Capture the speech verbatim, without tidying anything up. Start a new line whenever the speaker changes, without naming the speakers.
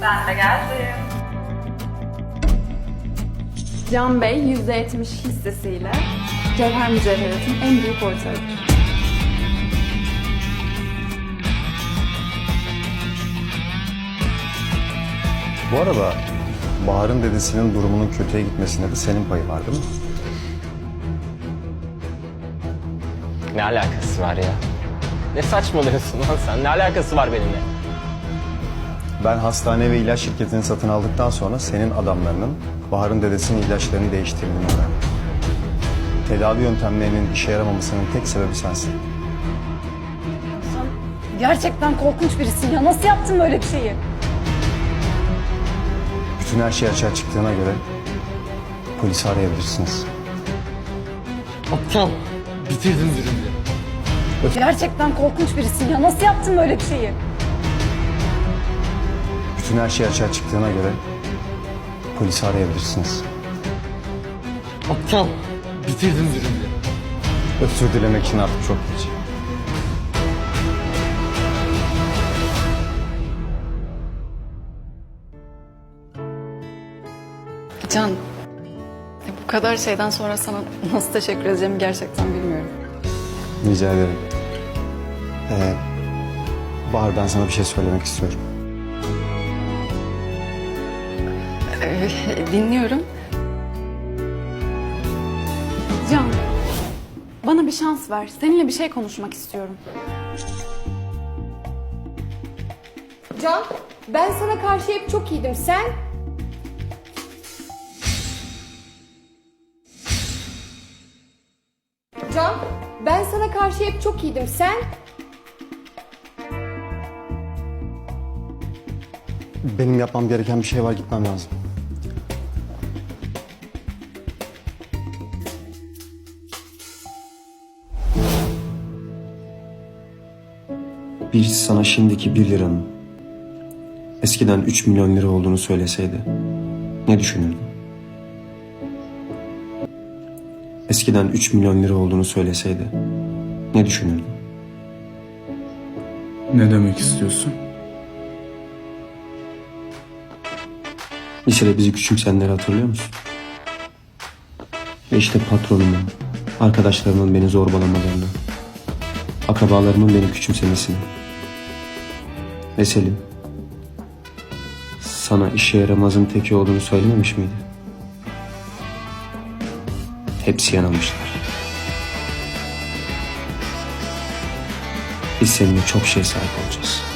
Ben de geldim.
Can Bey yüzde yetmiş hissesiyle Cevher Mücevherat'ın en büyük ortağıdır.
Bu arada Bahar'ın dedesinin durumunun kötüye gitmesinde de senin payı var değil mi?
Ne alakası var ya? Ne saçmalıyorsun lan sen? Ne alakası var benimle?
Ben hastane ve ilaç şirketini satın aldıktan sonra senin adamlarının Bahar'ın dedesinin ilaçlarını değiştirdiğini öğrendim. Tedavi yöntemlerinin işe yaramamasının tek sebebi sensin.
Sen gerçekten korkunç birisin ya. Nasıl yaptın böyle bir şeyi?
Bütün her şey açığa çıktığına göre polisi arayabilirsiniz.
Aptal. Bitirdiniz ürünü.
Gerçekten korkunç birisin ya. Nasıl yaptın böyle bir şeyi?
Bütün her şey açığa çıktığına göre polisi arayabilirsiniz.
Aptal. Bitirdiniz ürünü.
Özür dilemek için artık çok geç.
Can, ya bu kadar şeyden sonra sana nasıl teşekkür edeceğimi gerçekten bilmiyorum.
Rica ederim. Ee, Bahar, ben sana bir şey söylemek istiyorum.
Ee, dinliyorum. Can, bana bir şans ver. Seninle bir şey konuşmak istiyorum.
Can, ben sana karşı hep çok iyiydim. Sen? Can, ben sana karşı hep çok iyiydim. Sen?
Benim yapmam gereken bir şey var, gitmem lazım. Birisi sana şimdiki bir liranın eskiden üç milyon lira olduğunu söyleseydi ne düşünürdün? Eskiden üç milyon lira olduğunu söyleseydi ne düşünürdün?
Ne demek istiyorsun?
Lisede bizi küçümseyenleri hatırlıyor musun? Ve işte patronumun, arkadaşlarımın beni zorbalamalarını, akrabalarımın beni küçümsemesini. Ve Selim, sana işe yaramazın teki olduğunu söylememiş miydi? Hepsi yanılmışlar. Biz seninle çok şey sahip olacağız.